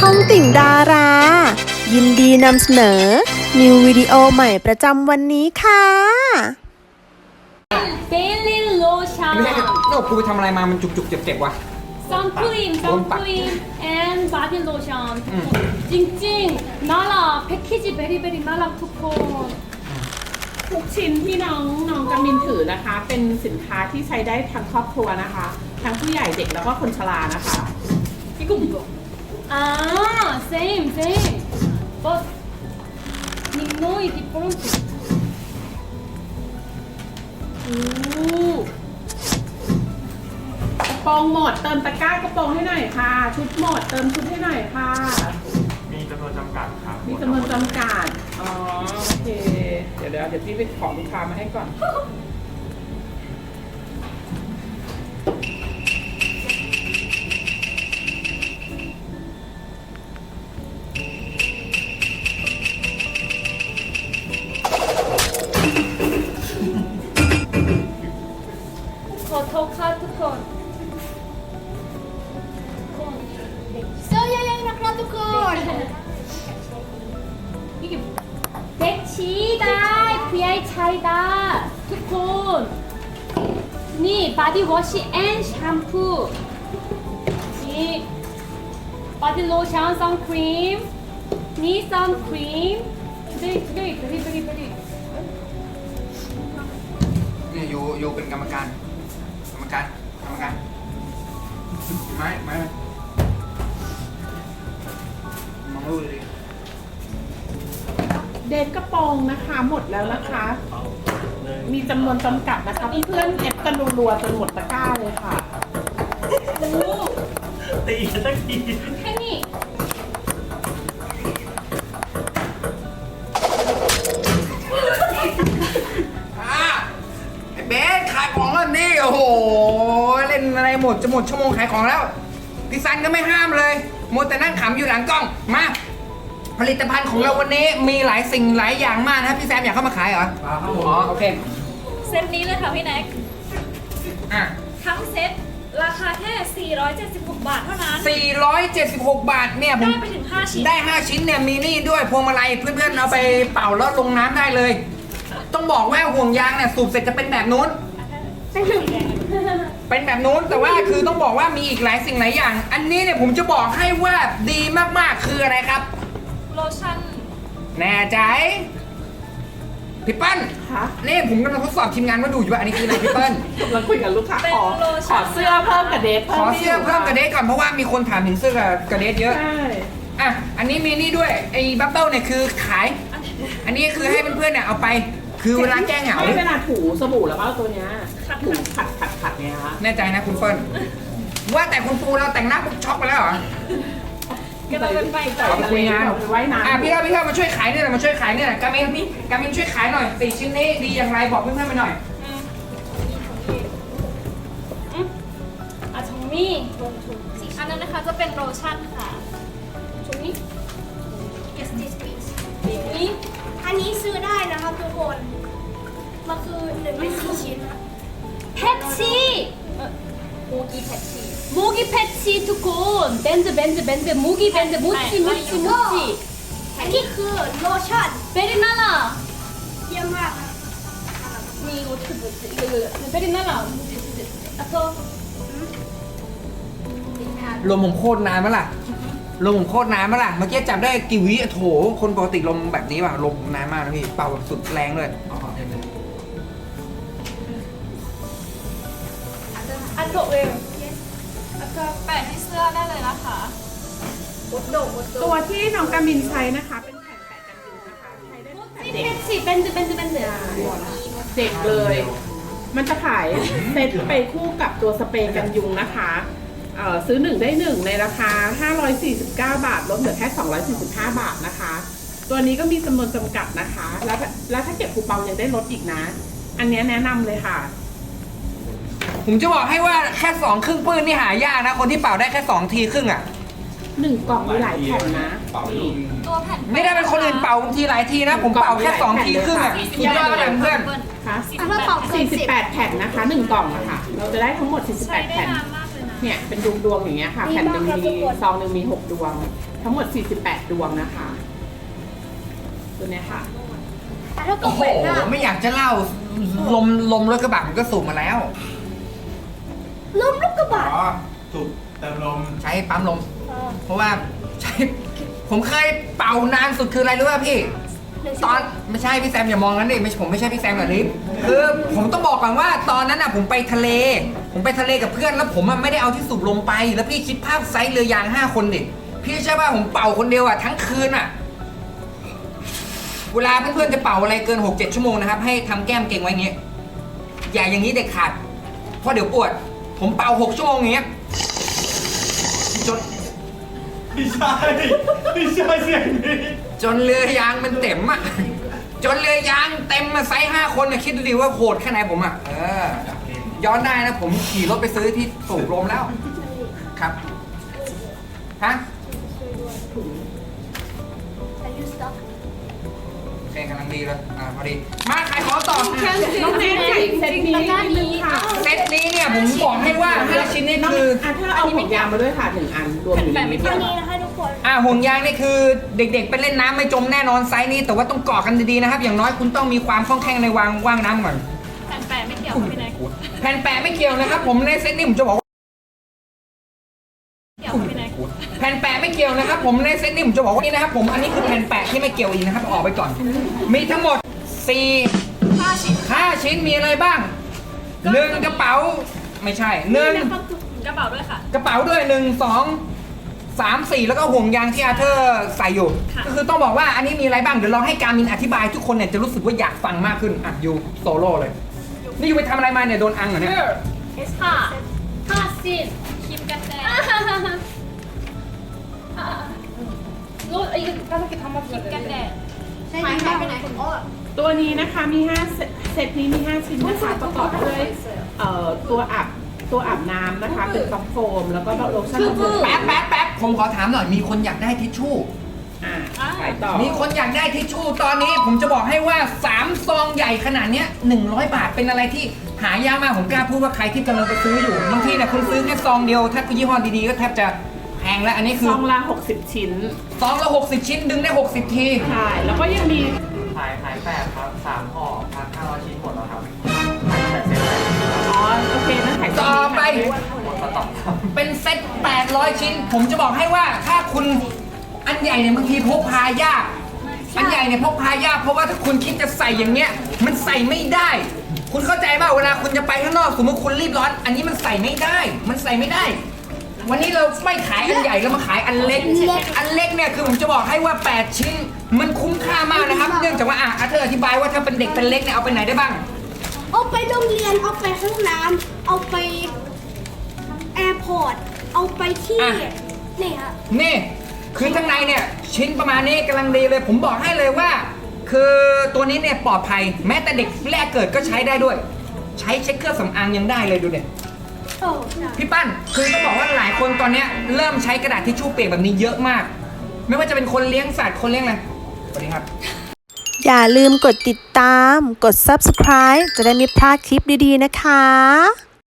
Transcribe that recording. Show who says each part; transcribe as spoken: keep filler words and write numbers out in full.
Speaker 1: องติ่งดารา ยินดีนำเสนอ นิววิดีโอใหม่ประจำวันนี้ค่ะ
Speaker 2: เดลิโลชั่น
Speaker 3: ไม่ใช่โน่กูไปทำอะไรมามันจุกๆเจ็บๆวะ
Speaker 2: ซันครีมซันครีม and body lotion จริงๆน่ารักแพ็กเกจเบรี่เบรี่น่ารักทุกคน
Speaker 4: ทุกชิ้นที่น้องน้องกำมินถือนะคะ เป็นสินค้าที่ใช้ได้ทั้งครอบครัวนะคะ ทั้งผู้ใหญ่เด็กแล้วก็คนชรานะคะ
Speaker 2: 이거 뭐야? 아, same, same. But Nino is different. 오,
Speaker 4: กระโปรงหมดเติมตะกร้ากระโปรงให้หน่อยค่ะ ชุดหมดเติมชุดให้หน่อยค่ะ
Speaker 5: มีจำนวนจำกัดครับ
Speaker 4: มีจำนวนจำกัดอ๋อโอเคเดี๋ยวเดี๋ยวเดี๋ยวพี่ไปขอลูกค้ามาให้ก่อน
Speaker 2: 거토카 투콘.
Speaker 6: เสื้อเยอะๆนะครับทุกคน
Speaker 2: 이게 백치다, 브이아이 차이다, 투콘. 니 바디워시 앤 샴푸. 니 바디 로션, 선크림. 니 선크림. today, today, very, very, very.
Speaker 3: เนี่ยโยโยเป็นกรรมการ กรรมการ กรรมการ ไม้ไม้มองดูดิ
Speaker 4: เดนกระโปรงนะคะหมดแล้วนะคะ มีจำนวนจำกัดนะคะเพื่อนๆเอฟกันรัวๆจนหมดตะกร้าเลยค่ะ
Speaker 2: 오,
Speaker 5: ตีสักที
Speaker 2: 팬이.
Speaker 3: อ่ะไอ้เบสขายของแล้วนี่โอ้โห เล่นอะไรหมดจะหมดชั่วโมงขายของแล้วพี่ซันก็ไม่ห้ามเลยมัวแต่นั่งขำอยู่หลังกล้อง มา ผลิตภัณฑ์ของเราวันนี้มีหลายสิ่งหลายอย่างมากนะพี่แซมอยากเข้ามาขายเหรออ๋อโอเค
Speaker 7: เซตนี้เลยค่ะพี่แน็ก
Speaker 3: อ่ะ
Speaker 7: ทั้งเซตราคาแค่ สี่ร้อยเจ็ดสิบหก บาทเท่านั้น
Speaker 3: สี่ร้อยเจ็ดสิบหก บาทเนี่ยผม
Speaker 7: ได้ไปถึง ห้า ชิ้น
Speaker 3: ได้ ห้า ชิ้นเนี่ยมีนี่ด้วยพวงมาลัยเพื่อนๆเอาไปเป่าแล้วลงน้ำได้เลย ต้องบอกว่าห่วงยางเนี่ยสูบเสร็จจะเป็นแบบนู้น เป็นแบบนู้นแต่ว่าคือต้องบอกว่ามีอีกหลายสิ่งหลายอย่าง อันนี้เนี่ยผมจะบอกให้ว่าดีมากๆคืออะไรครับ
Speaker 7: โลชั่น
Speaker 3: แน่ใจพี่เปิ้ล
Speaker 4: คะ
Speaker 3: นี่ผมกำลังทดสอบทีมงานว่าดูอยู่ว่าอันนี้คืออะไรพี่เปิ้ล
Speaker 4: เราคุยกับลูกค้าขอขอเสื้อเพิ่มกับเดท
Speaker 3: ขอเสื้อเพิ่มกระเดทก่อนเพราะว่ามีคนถามถึงเสื้อกระเดทเยอะ
Speaker 4: ใช่
Speaker 3: อ่ะ อันนี้มีนี่ด้วยไอ้บับเบิ้ลเนี่ยคือขาย อันนี้คือให้เพื่อนๆเนี่ยเอาไป คือเวลาแก้เหงา
Speaker 4: ไม่เวลาถูสบู่แล้วก็เอาตัวเนี้ยถูขัดขัดขัดเนี่ยคะ
Speaker 3: แน่ใจนะคุณเปิ้ลว่าแต่คุณปูเราแต่งหน้าปุ๊บช็อกไปแล้วเหรอ
Speaker 7: ก็ต้องเป็นไป
Speaker 3: เอาไปคุยงาน
Speaker 4: ไปไว้นาน
Speaker 3: อ่ะพี่เท่าพี่เท่ามาช่วยขายเนี่ยหน่อยมาช่วยขายเนี่ยหน่อยกามินกามินช่วยขายหน่อยสี่ชิ้นนี้ดีอย่างไรบอกเพื่อนๆไปหน่อย
Speaker 2: 아, 정미.
Speaker 7: อันนั้นนะคะจะเป็นโลชั่นค่ะ
Speaker 2: 정미?
Speaker 6: Yes this please
Speaker 2: 정미?
Speaker 6: อันนี้ซื้อได้นะครับทุกคน มันคือหนึ่งในสี่ชิ้นนะ
Speaker 2: 패치! 어, 모기 패치. 모기 패치 두콘. 밴드 밴드 밴드 모기 밴드 모찌 모찌 모찌.
Speaker 6: อันนี้คือโลชั่น
Speaker 2: 베리나라.
Speaker 6: เยี่ยมมากครับ
Speaker 2: 미 이거 어떻게 보지? 이거 이거 베리나라. 아서
Speaker 3: ลมผมโคตรนานมั้ยล่ะลมผมโคตรนานมั้ยล่ะเมื่อกี้จับได้กี่วิโถคนปกติลมแบบนี้ป่ะลมนานมากนะพี่เป่าแบบสุดแรงเลย
Speaker 2: 아서 왜?
Speaker 7: แล้วก็แปะที่เสื้อได้เลยนะคะ
Speaker 4: ตัวที่น้องกามินใช้นะคะ เป็นแผ่นแปะกันยุงนะคะใช้ได้ตั้งแต่
Speaker 2: 모찌
Speaker 4: เด็ก
Speaker 2: 패치 밴드 밴드 밴드.
Speaker 4: เด็กเลย มันจะขายเซตไปคู่กับตัวสเปรย์กันยุงนะคะเอ่อซื้อหนึ่งได้หนึ่งในราคา ห้าร้อยสี่สิบเก้า บาทลดเหลือแค่ สองร้อยสี่สิบห้า บาทนะคะ ตัวนี้ก็มีจำนวนจำกัดนะคะ แล้วแล้วถ้าเก็บคูปองยังได้ลดอีกนะ อันนี้แนะนำเลยค่ะ
Speaker 3: ผมจะบอกให้ว่าแค่สองครึ่งปื้นนี่หายากนะ คนที่เป่าได้แค่สองทีครึ่งอ่ะ
Speaker 4: หนึ่งกล่องมีหลายแผ่นนะนี่
Speaker 7: ตัวแผ่น
Speaker 3: ไม่ได้เป็นคนอื่นเป่าบางทีหลายทีนะ ผมเป่าแค่สองทีครึ่งอ่ะสุดยอดเลยเพื่อน
Speaker 4: ค่ะ
Speaker 6: ถ้าเป่าเกินสิบ
Speaker 4: สี่สิบแปดแผ่นนะคะหนึ่งกล่องอะค่ะ เราจะได้ทั้งหมดสี่สิบแป
Speaker 7: ใช้
Speaker 4: ด
Speaker 7: ได้
Speaker 4: แผ่น
Speaker 7: นานมากเลยนะ
Speaker 4: เนี่ยเป็นดวงดวงๆอย่างเงี้ยค่ะ
Speaker 6: ดี
Speaker 4: แผ่นห
Speaker 6: มาก
Speaker 4: นึ่ง
Speaker 6: ครับ
Speaker 4: มี
Speaker 6: ทุกคน
Speaker 4: ซองหนึ่งมีหกดวง ทั้งหมดสี่สิบแปดดวงนะคะ ตัวเนี้ยค่ะ
Speaker 6: แต่ถ้าเกิ
Speaker 3: โอ้
Speaker 6: ด
Speaker 3: โห
Speaker 6: แปดหน้า
Speaker 3: ไม่อยากจะเล่าลมลมรถกระบะผมก็สูบมาแล้ว
Speaker 6: ล้มลูกกระบะ
Speaker 5: อ๋อสูบเติมลม
Speaker 3: ใช้ปั๊มลม
Speaker 6: เออ
Speaker 3: เพราะว่าใช้ ผมเคยเป่านานสุดคืออะไรรู้ป่ะพี่
Speaker 6: หนึ่ง
Speaker 3: ตอนไม่ใช่พี่แซมอย่ามองนั้นดิไม่ผมไม่ใช่พี่แซมกับลิฟคือผมต้องบอกก่อนว่าตอนนั้นอ่ะผมไปทะเล ผมไปทะเลกับเพื่อนแล้วผมอ่ะไม่ได้เอาที่สูบลมไป แล้วพี่คิดภาพไซส์เรือยางห้าคนดิพี่ใช่ป่ะผมเป่าคนเดียวอ่ะทั้งคืนอ่ะ เวลาเพื่อนๆจะเป่าอะไรเกิน หกเจ็ด ชั่วโมงนะครับให้ทำแก้มเก่งไว้อย่างเงี้ยอย่าอย่างนี้เด็ดขาดเพราะเดี๋ยวปวด ผมเป่าหกชั่วโมงอย่างเงี้ยจน
Speaker 5: ไม่ใช่ไม่ใช่เสียงนี้
Speaker 3: จนเรือยางมันเต็มอ่ะ จนเรือยางเต็มมาไซส์ห้าคนนะคิดดูดิว่าโหดแค่ไหนผมอ่ะ เออ ย้อนได้นะผมขี่รถไปซื้อที่สูบลมแล้ว ครับ ฮะ
Speaker 6: อายุสต็อก
Speaker 3: โอเคกำลังดีเลย อ่าพอดี มาขายของต่อ
Speaker 4: น้องแนนใส่เซตนี้นิดนึงค่ะ
Speaker 3: เซตนี้เนี่ยผมบอกให้ว่าห้าชิ้นนี่
Speaker 4: น้อง
Speaker 3: คือ
Speaker 4: อ่ะถ้าเอาห่วงยางมาด้วยค่ะหนึ่งอันรวมอยู่ในนี้
Speaker 6: อันนี้นะคะทุกคน
Speaker 3: อ่าห่วงยางนี่คือเด็กๆไปเล่นน้ำไม่จมแน่นอนไซส์นี้ แต่ว่าต้องเกาะกันดีๆนะครับ อย่างน้อยคุณต้องมีความคล่องแคล่งในวางว่างน้ำก่อน
Speaker 7: แผ่นแปะไม่เกี่ยวกับพี่แน็ก
Speaker 3: แผ่นแปะไม่เกี่ยวนะครับ ผมในเซตนี้ผมจะบอกว่า
Speaker 7: เกี่ยวกับพี่แน็ก
Speaker 3: แผ่นแปะไม่เกี่ยวนะครับ ผมในเซตนี้ผมจะบอกว่านี่นะครับผมอันนี้คือแผ่นแปะที่ไม่เกี่ยวอีกนะครับออกไปก่อน มีทั้งหมดสี่
Speaker 7: ห้าชิ้น
Speaker 3: ห้าชิ้นมีอะไรบ้างหนึ่งกระเป๋าไม่ใช่หนึ่ง
Speaker 7: กระเป๋าด้วยค่ะ
Speaker 3: กระเป๋าด้วยหนึ่งสองสามสี่แล้วก็ห่วงยางที่อาเธอร์ใส่อยู่
Speaker 7: ค่ะ
Speaker 3: ก็คือต้องบอกว่าอันนี้มีอะไรบ้างเดี๋ยวลองให้การมินอธิบายทุกคนเนี่ยจะรู้สึกว่าอยากฟังมากขึ้นอ่ะอยู่โซโล่เลยนี่อยู่ไปทำอะไรมาเนี่ยโดนอังเหรอเนี่ย
Speaker 7: ห้าห้าชิ้นครีมกันแดดรู้ไอ้ก็ต้องเก็บทำมาครีมกันแดด
Speaker 6: ใช่ไหมไปไหนอ๋อ
Speaker 4: ตัวนี้นะคะมีห้าเซตเซตนี้มีห้าชิ้นนะคะประกอบด้วยเอ่อตัวอาบตัวอาบน้ำนะคะเป็นซอฟต์โฟมแล้วก็โลชั่นบำรุง
Speaker 3: แป๊บแป๊บแป๊บผมขอถามหน่อยมีคนอยากได้ทิชชู่
Speaker 4: อ่าขายต่อ
Speaker 3: มีคนอยากได้ทิชชู่ตอนนี้ผมจะบอกให้ว่าสามซองใหญ่ขนาดเนี้ยหนึ่งร้อยบาทเป็นอะไรที่หายากมากผมกล้าพูดว่าใครที่กำลังไปซื้ออยู่บางทีเนี่ยคุณซื้อแค่ซองเดียวถ้ายี่ห้อดีๆก็แทบจะแพงแล้วอันนี้คื
Speaker 4: ซ
Speaker 3: อ
Speaker 4: องละหกสิบชิ้น
Speaker 3: ซองละหกสิบชิ้นดึงได้หกสิบที
Speaker 4: ใช่แล้วก็ยังมี
Speaker 5: ขายขายแปดครับสามห่อพันห้าร้อยชิ้นหมดแล้วครับขายแปดเซ็ตแรก
Speaker 4: อ๋อโอเคนั่นขาย
Speaker 3: ต่อไป
Speaker 5: หมดสต็อกครับ
Speaker 3: เป็นเซ็ตแปดร้อยชิ้น ผมจะบอกให้ว่าถ้าคุณอันใหญ่เนี่ยบางทีพกพายากอันใหญ่เนี่ยพกพายากเพราะว่าถ้าคุณคิดจะใส่อย่างเงี้ยมันใส่ไม่ได้ คุณเข้าใจป่ะเวลาคุณจะไปข้างนอกสมมติคุณรีบร้อน อันนี้มันใส่ไม่ได้ มันใส่ไม่ได้ วันนี้เราไม่ขายอันใหญ่เรามาขายอันเล็ก อันเล็กเนี่ยคือผมจะบอกให้ว่าแปดชิ้น มันคุ้มค่ามากนะครับ เนื่องจากว่าอ่ะอาเธออธิบายว่าถ้าเป็นเด็กเป็นเล็กเนี่ยเอาไปไหนได้บ้าง
Speaker 6: เอาไปโรงเรียน เอาไปห้องน้ำเอาไปแอร์พอร์ต เอาไปที่
Speaker 3: อ่ะ
Speaker 6: นี่ฮะ
Speaker 3: นี่คือข้างในเนี่ยชิ้นประมาณนี้กำลังดีเลย ผมบอกให้เลยว่า คือตัวนี้เนี่ยปลอดภัย แม้แต่เด็กแรกเกิดก็ใช้ได้ด้วย ใช้เช็คเครื่องสำอางยังได้เลยดูเนี่ย
Speaker 6: โอ้ใช่
Speaker 3: พี่ปั้นคือต้องบอกว่าหลายคนตอนเนี้ยเริ่มใช้กระดาษทิชชู่เปียกแบบนี้เยอะมาก ไม่ว่าจะเป็นคนเลี้ยงสัตว์คนเลี้ยงอะไรสวัสดีครับ
Speaker 1: อย่าลืมกดติดตาม กด ซับสไครบ์ จะได้ไม่พลาดคลิปดีๆนะคะ